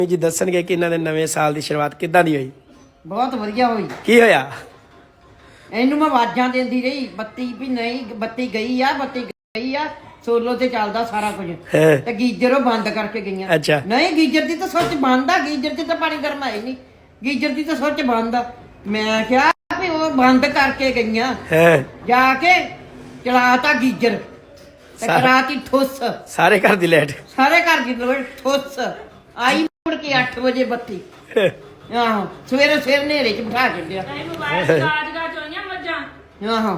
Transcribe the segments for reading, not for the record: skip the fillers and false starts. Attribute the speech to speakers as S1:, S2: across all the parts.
S1: ਜੀ ਦੱਸਣਗੇ ਕਿ ਇਹਨਾਂ ਦੇ ਨਵੇਂ ਸਾਲ ਦੀ ਸ਼ੁਰੂਆਤ ਕਿੱਦਾਂ ਦੀ ਹੋਈ।
S2: ਬਹੁਤ ਵਧੀਆ ਹੋਈ।
S1: ਕੀ ਹੋਇਆ?
S2: ਇਹਨੂੰ ਮੈਂ ਆਵਾਜ਼ਾਂ ਦਿੰਦੀ ਰਹੀ, ਬੱਤੀ ਵੀ ਨਹੀਂ, ਬੱਤੀ ਗਈ ਆ, ਬੱਤੀ ਗਈ ਆ। ਸੋਲੋ ਤੇ ਚੱਲਦਾ ਸਾਰਾ ਕੁਝ ਤੇ ਗੀਜ਼ਰ ਉਹ ਬੰਦ ਕਰਕੇ ਗਈਆਂ।
S1: ਅੱਛਾ।
S2: ਨਹੀਂ, ਗੀਜ਼ਰ ਦੀ ਤਾਂ ਸੁੱਚ ਬੰਦ ਆ, ਗੀਜ਼ਰ 'ਚ ਤਾਂ ਪਾਣੀ ਗਰਮ ਆਇਆ ਨਹੀਂ, ਗੀਜ਼ਰ ਦੀ ਤਾਂ ਸੁੱਚ ਬੰਦ ਆ। ਮੈਂ ਕਿਹਾ ਵੀ ਉਹ ਬੰਦ ਕਰਕੇ ਗਈਆਂ, ਜਾ ਕੇ ਚਲਾਤਾ ਗੀਜ਼ਰ ਤੇ ਕਰਾਤੀ ਠੁੱਸ।
S1: ਸਾਰੇ ਘਰ ਦੀ ਲਾਈਟ,
S2: ਸਾਰੇ ਘਰ ਦੀ ਲਾਈਟ ਠੁੱਸ ਆਈ। ਮੁੜ ਕੇ 8 ਵਜੇ ਬੱਤੀ। ਆਹੋ, ਸਵੇਰੇ ਹਨੇਰੇ 'ਚ ਬਿਠਾ ਛੱਡਿਆ। ਆਹੋ,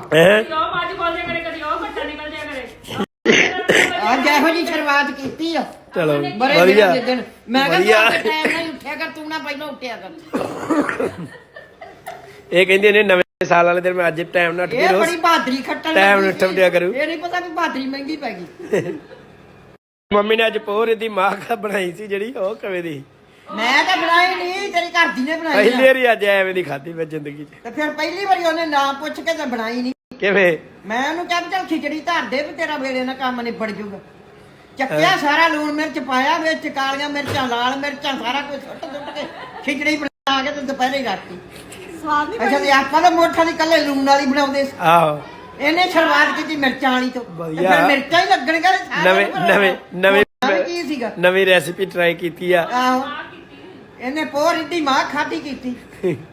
S2: ਅੱਜ ਇਹੋ ਜਿਹੀ ਸ਼ੁਰੂਆਤ ਕੀਤੀ ਆ।
S1: ਚਲੋ
S2: ਬੜੇ
S1: ਵਧੀਆ।
S2: ਦਿਨ ਮੈਂ ਕਿਹਾ ਟਾਈਮ ਨਾਲ ਉੱਠਿਆ ਕਰ, ਤੂੰ ਨਾ ਪਹਿਲਾਂ ਉੱਠਿਆ ਕਰ।
S1: ਇਹ ਕਹਿੰਦੇ ਨੇ ਨਵੇਂ ਸਾਲ ਵਾਲੇ ਦਿਨ ਮੈਂ ਅੱਜ ਟਾਈਮ ਨਾਲ ਉੱਠ ਕੇ
S2: ਇਹ ਬੜੀ ਬਹਾਦਰੀ ਖੱਟਣ
S1: ਟਾਈਮ ਨਾਲ ਉੱਠਿਆ ਕਰੂ।
S2: ਇਹ ਨਹੀਂ ਪਤਾ ਵੀ ਬਹਾਦਰੀ ਮਹਿੰਗੀ ਪੈ ਗਈ।
S1: ਮੰਮੀ ਨੇ ਅੱਜ ਪੋਹਰੇ ਦੀ ਮਾਂ ਬਣਾਈ ਸੀ ਜਿਹੜੀ, ਉਹ ਕਿਵੇਂ ਦੀ?
S2: ਮੈਂ ਤਾਂ ਬਣਾਈ ਨਹੀਂ, ਤੇਰੀ ਘਰ ਦੀ ਨੇ ਬਣਾਈ।
S1: ਪਹਿਲੀ ਵਾਰੀ ਅੱਜ ਐਵੇਂ ਦੀ ਖਾਧੀ ਮੈਂ ਜ਼ਿੰਦਗੀ 'ਚ।
S2: ਤੇ ਫਿਰ ਪਹਿਲੀ ਵਾਰੀ ਉਹਨੇ ਨਾ ਪੁੱਛ ਕੇ ਤਾਂ ਬਣਾਈ ਨਹੀਂ।
S1: ਕਿਵੇਂ?
S2: ਮੈਂ ਉਹਨੂੰ ਕਿਹਾ ਚੱਲ ਖਿਚੜੀ ਧਰ ਦੇ ਵੀ ਤੇਰਾ ਵੇਲੇ ਨਾਲ ਕੰਮ ਨਿਬੜ ਜੂਗਾ। ਚੱਕਿਆ ਸਾਰਾ, ਲੂਣ ਮਿਰਚ ਪਾਇਆ ਵਿੱਚ, ਕਾਲੀਆਂ ਮਿਰਚਾਂ, ਲਾਲ ਮਿਰਚਾਂ, ਸਾਰਾ ਕੁਝ ਸੁੱਟ ਕੇ ਖਿਚੜੀ ਬਣਾ ਕੇ ਤੇ ਦੁਪਹਿਰੇ ਰੱਖਤੀ। ਸਵਾਦ ਨਹੀਂ। ਅੱਛਾ, ਤੇ ਆਪਾਂ ਤਾਂ ਮੋਠਾਂ ਦੀ ਕੱਲੇ ਲੂਣ ਵਾਲੀ ਬਣਾਉਂਦੇ ਸੀ।
S1: ਆਹੋ,
S2: ਇਹਨੇ ਸ਼ੁਰੂਆਤ ਕੀਤੀ ਮਿਰਚਾਂ ਵਾਲੀ ਤੋਂ।
S1: ਵਧੀਆ।
S2: ਫਿਰ ਮਿਰਚਾਂ ਹੀ ਲੱਗਣਗੀਆਂ।
S1: ਨਵੇਂ
S2: ਕੀ ਸੀਗਾ,
S1: ਨਵੀਂ ਰੈਸਿਪੀ ਟਰਾਈ ਕੀਤੀ ਆ।
S2: ਆਹੋ, ਇਹਨੇ ਪੋਹ ਰਿੱਧੀ ਮਾਂ ਖਾਧੀ ਕੀਤੀ।